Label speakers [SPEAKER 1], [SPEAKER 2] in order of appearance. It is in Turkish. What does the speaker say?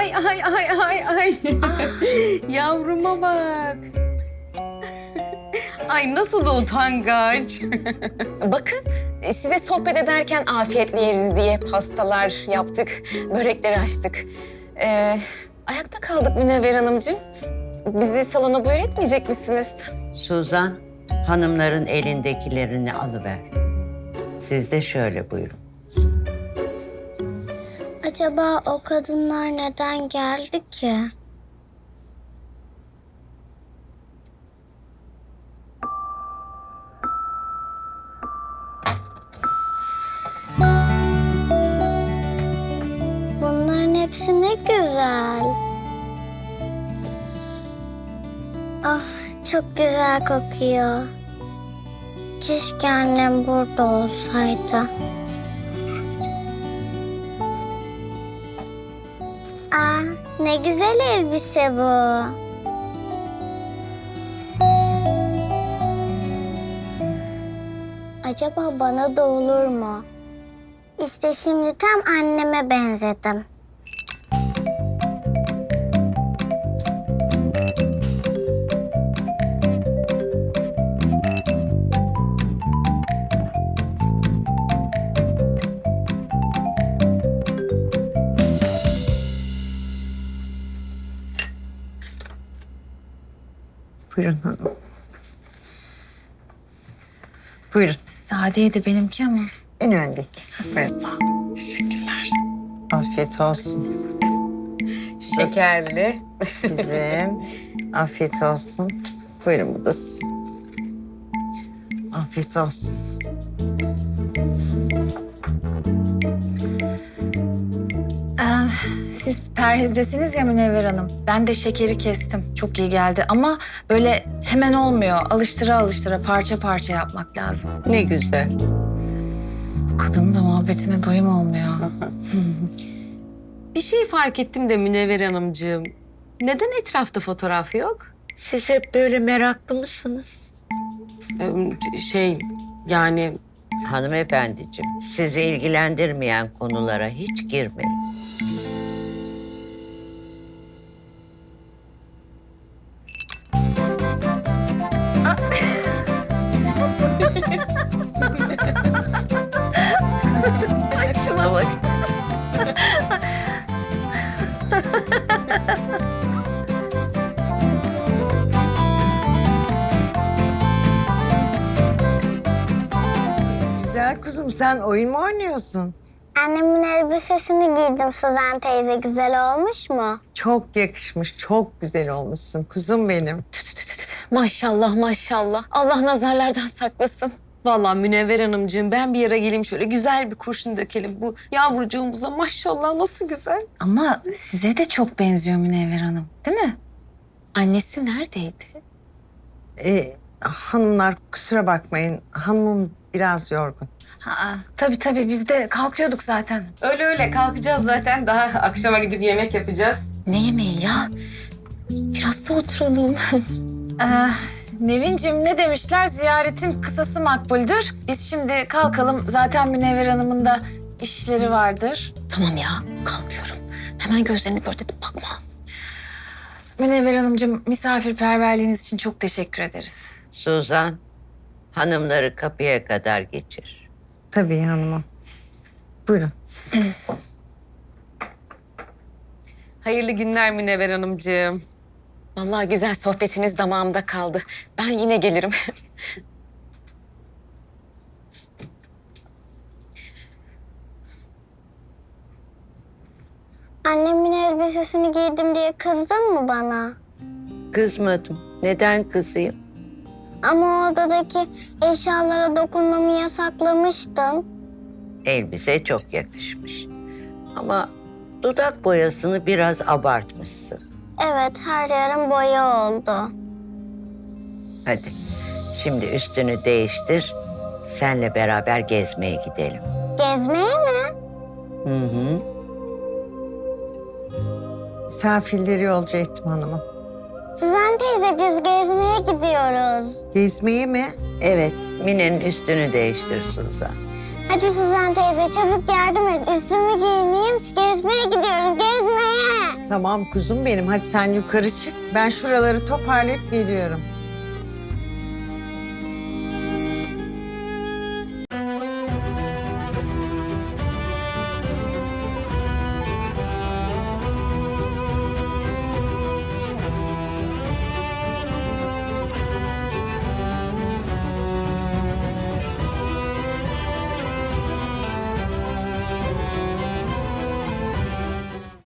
[SPEAKER 1] Ay ay ay ay ay. Yavruma bak. Ay nasıl da utangaç.
[SPEAKER 2] Bakın size sohbet ederken afiyetle yeriz diye pastalar yaptık, börekleri açtık. Ayakta kaldık Münevver Hanımcığım. Bizi salona buyur etmeyecek misiniz?
[SPEAKER 3] Suzan, hanımların elindekilerini alıver. Siz de şöyle buyurun.
[SPEAKER 4] Acaba o kadınlar neden geldi ki? Bunların hepsi ne güzel. Ah, çok güzel kokuyor. Keşke annem burada olsaydı. Aa, ne güzel elbise bu. Acaba bana da olur mu? İşte şimdi tam anneme benzedim.
[SPEAKER 3] Buyurun hanım. Buyurun.
[SPEAKER 1] Sadeydi benimki ama.
[SPEAKER 3] En öndeki. Teşekkürler. Afiyet olsun.
[SPEAKER 1] Şekerli.
[SPEAKER 3] Sizin. Afiyet olsun. Buyurun bu da sizin. Afiyet olsun.
[SPEAKER 1] Siz perhizdesiniz ya Münevver Hanım. Ben de şekeri kestim. Çok iyi geldi ama böyle hemen olmuyor. Alıştıra alıştıra parça parça yapmak lazım.
[SPEAKER 3] Ne güzel.
[SPEAKER 1] Bu kadının da muhabbetine doyum olmuyor.
[SPEAKER 5] Bir şey fark ettim de Münevver Hanımcığım. Neden etrafta fotoğraf yok?
[SPEAKER 3] Siz hep böyle meraklı mısınız?
[SPEAKER 5] Yani
[SPEAKER 3] Hanımefendiciğim, sizi ilgilendirmeyen konulara hiç girmeyin.
[SPEAKER 1] Şuna bak.
[SPEAKER 6] Güzel kuzum, sen oyun mu oynuyorsun?
[SPEAKER 4] Annemin elbisesini giydim Suzan teyze. Güzel olmuş mu?
[SPEAKER 6] Çok yakışmış, çok güzel olmuşsun kuzum benim.
[SPEAKER 2] Maşallah maşallah. Allah nazarlardan saklasın.
[SPEAKER 5] vallahi Münevver Hanımcığım ben bir yere geleyim şöyle güzel bir kurşun dökelim. Bu yavrucuğumuza maşallah nasıl güzel.
[SPEAKER 1] Ama size de çok benziyor Münevver Hanım, değil mi?
[SPEAKER 2] Annesi neredeydi?
[SPEAKER 6] Hanımlar kusura bakmayın, hanımım biraz yorgun.
[SPEAKER 1] Tabii biz de kalkıyorduk zaten.
[SPEAKER 5] Öyle kalkacağız zaten. Daha akşama gidip yemek yapacağız.
[SPEAKER 2] Ne yemeği ya? Biraz da oturalım.
[SPEAKER 1] Nevin'cim ne demişler? Ziyaretin kısası makbuldür. Biz şimdi kalkalım. Zaten Münevver Hanım'ın da işleri vardır.
[SPEAKER 2] Tamam ya, kalkıyorum. Hemen gözlerini pörtletip bakma.
[SPEAKER 1] Münevver Hanımcığım misafirperverliğiniz için çok teşekkür ederiz.
[SPEAKER 3] Suzan, hanımları kapıya kadar geçir.
[SPEAKER 6] Tabii hanımım. Buyurun.
[SPEAKER 5] Hayırlı günler Münevver Hanımcığım.
[SPEAKER 2] Vallahi güzel sohbetiniz damağımda kaldı. Ben yine gelirim.
[SPEAKER 4] Annemin elbisesini giydim diye kızdın mı bana?
[SPEAKER 3] Kızmadım. Neden kızayım?
[SPEAKER 4] Ama o odadaki eşyalara dokunmamı yasaklamıştın.
[SPEAKER 3] Elbise çok yakışmış. Ama dudak boyasını biraz abartmışsın.
[SPEAKER 4] Evet, her yerim boya oldu.
[SPEAKER 3] Hadi, şimdi üstünü değiştir. Senle beraber gezmeye gidelim.
[SPEAKER 4] Gezmeye mi?
[SPEAKER 3] Hı hı.
[SPEAKER 6] Misafirleri yolcu ettim hanımım.
[SPEAKER 4] Suzan teyze biz gezmeye gidiyoruz.
[SPEAKER 6] Gezmeye mi?
[SPEAKER 3] Evet, Mine'nin üstünü değiştir Suzan.
[SPEAKER 4] Hadi Suzan teyze çabuk yardım et. Üstümü giyineyim. Gezmeye gidiyoruz, gezmeye.
[SPEAKER 6] Tamam kuzum benim. Hadi sen yukarı çık. Ben şuraları toparlayıp geliyorum.